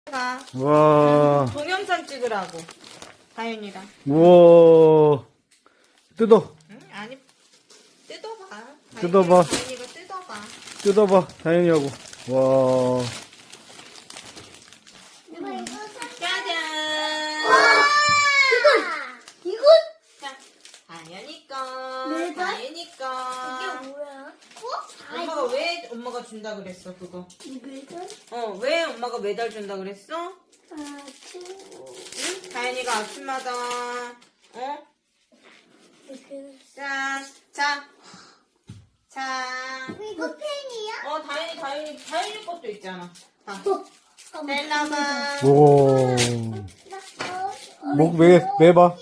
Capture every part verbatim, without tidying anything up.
가. 와. 동영상 찍으라고. 다윤이랑. 우와. 뜯어. 응? 아니, 뜯어봐. 뜯어봐. 다윤이가 뜯어봐. 뜯어봐. 다현이하고. 와. 짜잔. 이건 이건 자, 다윤이 거. 네, 나- 다윤이 거. 이게 뭐야? 어? 엄마가 왜 엄마가 준다 그랬어, 그거? 이거는 어, 왜 엄마가 매달 준다 그랬어? 아주 응? 다윤이가 아침마다, 어? 이렇게 짠. 자. 자. 이거 펜이야? 어, 다윤이, 다윤이, 다윤이 것도 있잖아. 자. 어, 셀라가. 오. 목 매, 매봐.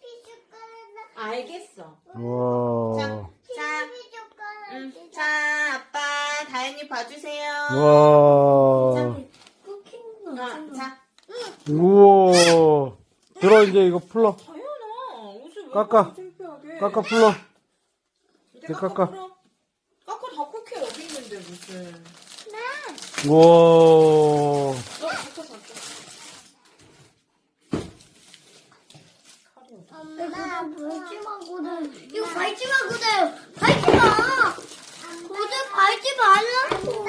알겠어. 와. 자, 응. 자, 아빠, 다현이 봐주세요. 와. 쿠키는 어, 자, 우와. 들어, 이제 이거 풀러. 다현아, 옷을 왜 깎아. 그렇게 창피하게? 깎아 풀러. 이제 이제 깎아. 깎아. 풀어. 깎아 다 쿠키 여기 있는데 무슨? 우와. 어, 깎아 깎아. 엄마 밟지마거든. 이거 밟지마거든. 밟지마. 어제 밟지 말라고.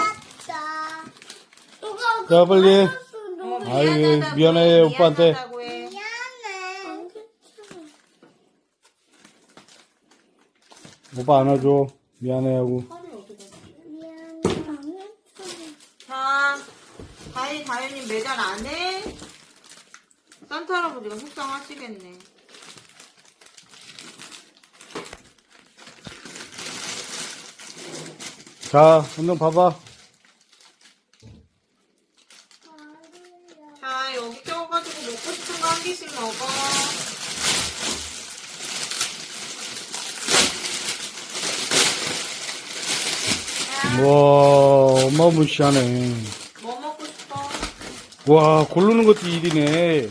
너가 자, 빨리. 어, 아유, 미안하다고 미안해, 해, 오빠한테. 미안하다고 해. 미안해. 오빠 안아줘. 미안해하고. 미안해. 자, 다현이, 다현이 매달 안 해? 산타 할아버지가 속상하시겠네. 자, 한번 봐봐. 자, 여기 껴가지고 먹고 싶은 거 한 개씩 먹어. 와, 어마무시하네. 뭐 먹고 싶어? 와, 고르는 것도 일이네.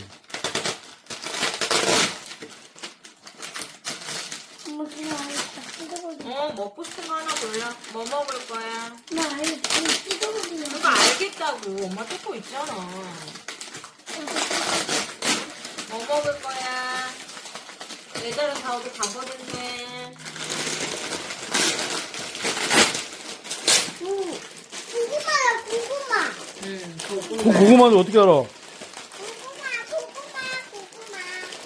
엄마 그냥 알겠다. 어, 먹고 싶은 거 하나 골라. 뭐 먹을 거야? 나 알겠다. 뜯어보기만. 그거 알겠다고. 엄마 듣고 있잖아. 뭐 먹을 거야? 얘들은 다 어디 가버렸네. 고구마야 고구마. 응, 그 고구마. 고구마는 어떻게 알아? 고구마 고구마 고구마.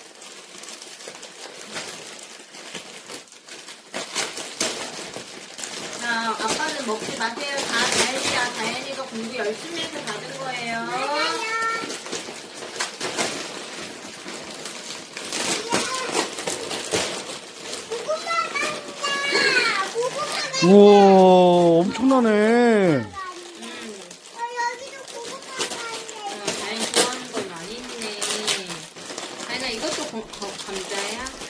자, 아빠는 먹지 마세요. 다 다현이야. 다현이가 공부 열심히 해서 받은 거예요. 고구마 간다. 고구마 우와, 엄청나네. 응. 어, 여기도 고구마 간대. 어, 다현이 좋아하는 건 많이 있네. 다현아, 이것도 거- 거- 감자야?